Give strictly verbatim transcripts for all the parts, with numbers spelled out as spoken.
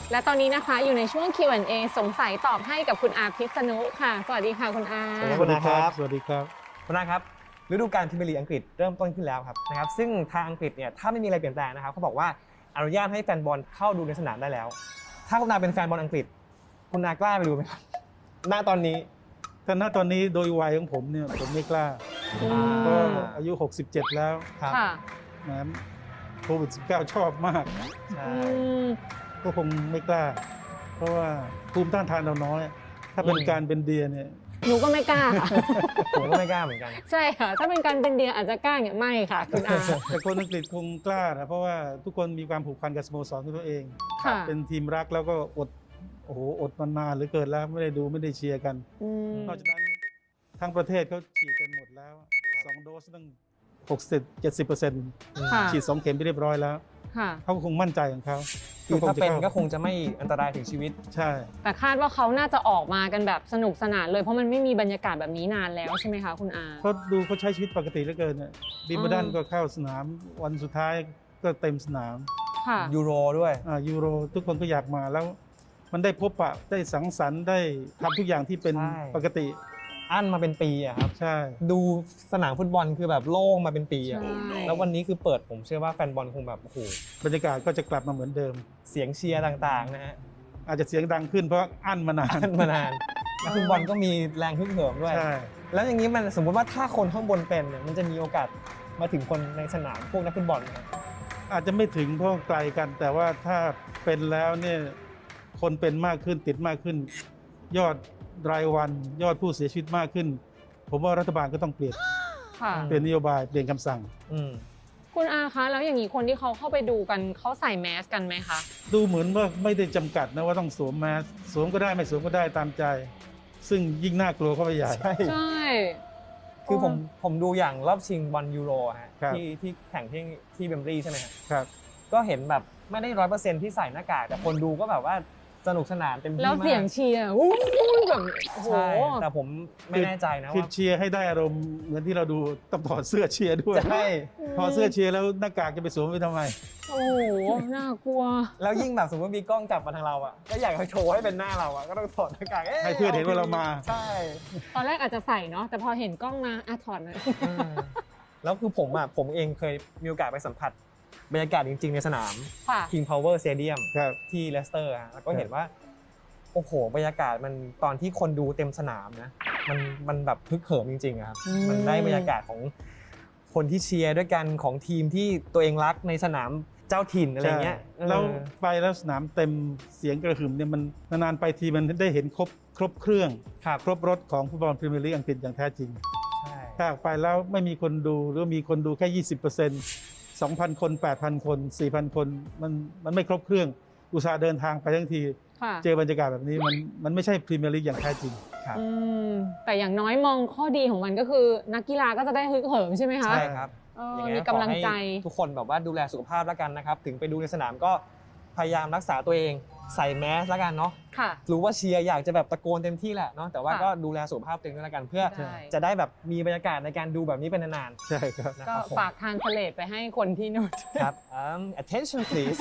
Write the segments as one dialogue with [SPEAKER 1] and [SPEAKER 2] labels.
[SPEAKER 1] และตอนนี้นะคะอยู่ในช่วง คิว แอนด์ เอ สงสัยตอบให้กับคุณอาพิษณุค่ะสวัสดีค่ะคุณอา
[SPEAKER 2] สวัสดีครับ
[SPEAKER 3] สวัสดีครับ
[SPEAKER 2] คุณอาครับฤดูกาลพรีเมียร์ลีกอังกฤษเริ่มต้นขึ้นแล้วครับนะครับซึ่งทางอังกฤษเนี่ยถ้าไม่มีอะไรเปลี่ยนแปลงนะครับเขาบอกว่าอนุญาตให้แฟนบอลเข้าดูในสนามได้แล้วถ้าคุณอาเป็นแฟนบอลอังกฤษคุณอากล้าไปดูไหมครับณตอนนี้
[SPEAKER 3] แต่ณตอนนี้โดยวัยของผมเนี่ยผมไม่กล้าก็อายุหกสิบเจ็ดแล้ว
[SPEAKER 2] ครับ
[SPEAKER 3] นะโควิด สิบเก้า ชอบมาก
[SPEAKER 2] ใช่
[SPEAKER 3] ก็คงไม่กล้าเพราะว่าภูมิต้านทานเราน้อยถ้าเป็นการเป็นเดียเนี่ย
[SPEAKER 1] หนูก็ไม่กล้าค่ะ
[SPEAKER 2] ผมก็ไม่กล้าเหมือนกัน
[SPEAKER 1] ใช่ค่ะถ้าเป็นการเป็นเดียอาจจะกล้าอย่างไม่ค่ะคุณอา
[SPEAKER 3] แต่คนอังกฤษคงกล้านะเพราะว่าทุกคนมีความผูกพันกับสโมสรของตัวเองเป็นทีมรักแล้วก็อดโอ้โหอดมานานหรือเกินแล้วไม่ได้ดูไม่ได้เชียร์กันนอกจากนั้นทั้งประเทศเขาฉีดกันหมดแล้วสองโดสตั้งหกสิบ เจ็ดสิบเปอร์เซ็นต์ฉีดสองเข็มไปเรียบร้อยแล้วเขาคงมั่นใจของเขา
[SPEAKER 2] คือถ้าเป็นก็คงจะไม่อันตรายถึงชีวิต
[SPEAKER 3] ใช่
[SPEAKER 1] แต่คาดว่าเขาน่าจะออกมากันแบบสนุกสนานเลยเพราะมันไม่มีบรรยากาศแบบนี้นานแล้วใช่ไหมคะคุณอา
[SPEAKER 3] เขาดูเขาใช้ชีวิตปกติเหลือเกินเนี่ยบิมเบิลดันก็เข้าสนามวันสุดท้ายก็เต็มสนาม
[SPEAKER 2] ยูโรด้วย
[SPEAKER 3] อ่ายูโรทุกคนก็อยากมาแล้วมันได้พบปะได้สังสรรค์ได้ทำทุกอย่างที่เป็นปกติ
[SPEAKER 2] อั้นมาเป็นปีอะครับ
[SPEAKER 3] ใช่
[SPEAKER 2] ดูสนามฟุตบอลคือแบบโล่งมาเป็นปีอะแล้ววันนี้คือเปิดผมเชื่อว่าแฟนบอลคงแบบโอ้โห
[SPEAKER 3] บรรยากาศก็จะกลับมาเหมือนเดิม
[SPEAKER 2] เสียงเชียร์ต่างๆนะฮะ
[SPEAKER 3] อาจจะเสียงดังขึ้นเพราะอั้นมานาน
[SPEAKER 2] อั้นมานานนักฟุตบอลก็มีแรงฮึกเหิมด้วยแล้วอย่างนี้มันสมมติว่าถ้าคนข้างบนเป็นเนี่ยมันจะมีโอกาสมาถึงคนในสนามพวกนักฟุตบอลไหม
[SPEAKER 3] อาจจะไม่ถึงเพราะไกลกันแต่ว่าถ้าเป็นแล้วเนี่ยคนเป็นมากขึ้นติดมากขึ้นยอดรายวันยอดผู้เสียชีวิตมากขึ้นผมว่ารัฐบาลก็ต้องเปลี่ยนเปลี่ยนนโยบายเปลี่ยนคำสั่ง
[SPEAKER 1] คุณอาคะแล้วอย่างนี้คนที่เขาเข้าไปดูกันเขาใส่แมสกันไหมคะ
[SPEAKER 3] ดูเหมือนว่าไม่ได้จำกัดนะว่าต้องสวมแมสสวมก็ได้ไม่สวมก็ได้ตามใจซึ่งยิ่งน่ากลัวเข้าไปใหญ่
[SPEAKER 1] ใช่
[SPEAKER 2] คือผมผมดูอย่างรอบชิงบอลยูโรฮะที่ที่แข่งที่ที่เบมบลีย์ใช่ไหม
[SPEAKER 3] ครับ
[SPEAKER 2] ก็เห็นแบบไม่ได้ร้อยเปอร์เซ็นต์ที่ใส่หน้ากากแต่คนดูก็แบบว่าสนุกสนานเต็มที่มาก
[SPEAKER 1] แล้วเสียงเชียร์อู้แบบโอ้โห
[SPEAKER 2] แต่ผมไม่แน่ใจนะว่า
[SPEAKER 3] คือเชียร์ให้ได้อารมณ์เหมือนที่เราดูต้องถอดเสื้อเชียร์ด้วย
[SPEAKER 2] ใช่
[SPEAKER 3] ถอดเสื้อเชียร์แล้วหน้ากากจะไปสวมไปทำไม
[SPEAKER 1] โอ้โหน่ากลัว
[SPEAKER 2] แล้วยิ่งแบบสมมติมีกล้องจับมาทางเราอ่ะก็อยากให้โชว์ให้เป็นหน้าเราอ่ะก็ต้องถอดหน้ากาก
[SPEAKER 3] ให้เพื่อนเห็นว่าเรามา
[SPEAKER 2] ใช่
[SPEAKER 1] ตอนแรกอาจจะใส่เนาะแต่พอเห็นกล้องมาอ่ะถอดเลย
[SPEAKER 2] แล้วคือผมอ่ะผมเองเคยมีโอกาสไปสัมผัสบรรยากาศจริงๆในสนาม King Power Stadium ที่เลสเตอร์แล้วก็เห็นว่าโอ้โหบรรยากาศมันตอนที่คนดูเต็มสนามนะมันมันแบบฮึกเหิมจริงๆครับมันได้บรรยากาศของคนที่เชียร์ด้วยกันของทีมที่ตัวเองรักในสนามเจ้าถิ่นอะไรเงี้ย
[SPEAKER 3] แล้วไปแล้วสนามเต็มเสียงกระหึ่มเนี่ยมันนานๆไปทีมันได้เห็นครบครบเครื่องครบรถของฟุตบอลพรีเมียร์ลีกอังกฤษอย่างแท้จริงถ้าไปแล้วไม่มีคนดูหรือมีคนดูแค่ ยี่สิบเปอร์เซ็นต์ สองพัน คน แปดพัน คน สี่พัน คนมันมันไม่ครบเครื่องอุตส่าห์เดินทางไปทั้งทีเจอบรรยากาศแบบนี้มันมันไม่ใช่พรีเมียร์ลีกอย่างแท้จริง
[SPEAKER 2] ครับ
[SPEAKER 1] แต่อย่างน้อยมองข้อดีของมันก็คือนักกีฬาก็จะได้ฮึกเหิมใช่ไหมคะ
[SPEAKER 2] ใช่ครับ
[SPEAKER 1] มีกำลังใจ
[SPEAKER 2] ทุกคนแบบว่าดูแลสุขภาพแล้วกันนะครับถึงไปดูในสนามก็พยายามรักษาตัวเองใส่แมสแล้วกันเนาะรู้ว่าเชียร์อยากจะแบบตะโกนเต็มที่แหละเนาะแต่ว่าก็ดูแลสุขภาพตัวเองด้วยแล้วกันเพื่อจะได้แบบมีบรรยากาศในการดูแบบนี้เป็นนาน
[SPEAKER 3] ๆใช่ครับ
[SPEAKER 1] ก็ฝากทานสเลดไปให้คนที่นู่น
[SPEAKER 2] ครับ attention please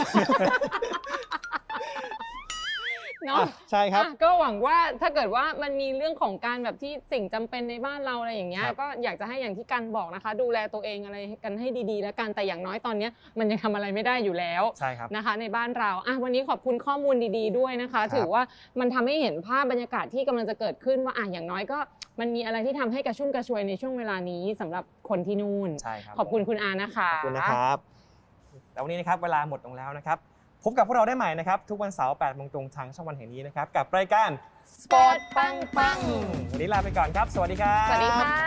[SPEAKER 1] เนาะ
[SPEAKER 2] ใช่ครับ
[SPEAKER 1] ก็หวังว่าถ้าเกิดว่ามันมีเรื่องของการแบบที่สิ่งจำเป็นในบ้านเราอะไรอย่างเงี้ยก็อยากจะให้อย่างที่กันบอกนะคะดูแลตัวเองอะไรกันให้ดีๆแล้วกันแต่อย่างน้อยตอนนี้มันยังทำอะไรไม่ได้อยู่แล้ว
[SPEAKER 2] ใช่ครับ
[SPEAKER 1] นะคะในบ้านเราอ่ะวันนี้ขอบคุณข้อมูลดีๆด้วยนะคะถือว่ามันทำให้เห็นภาพบรรยากาศที่กำลังจะเกิดขึ้นว่าอ่ะอย่างน้อยก็มันมีอะไรที่ทำให้กระชุ่มกระชวยในช่วงเวลานี้สำหรับคนที่นู่น
[SPEAKER 2] ใช่ครับ
[SPEAKER 1] ขอบคุณคุณอานะคะ
[SPEAKER 2] ขอบคุณนะครับแต่วันนี้นะครับเวลาหมดลงแล้วนะครับพบกับพวกเราได้ใหม่นะครับทุกวันเสาร์แปดโมงตรงทางช่องวันแห่งนี้นะครับกับรายการ
[SPEAKER 1] สปอร์ตปังปัง
[SPEAKER 2] วันนี้ลาไปก่อนครับสวัสดีครับ
[SPEAKER 1] สวัสดีค่ะ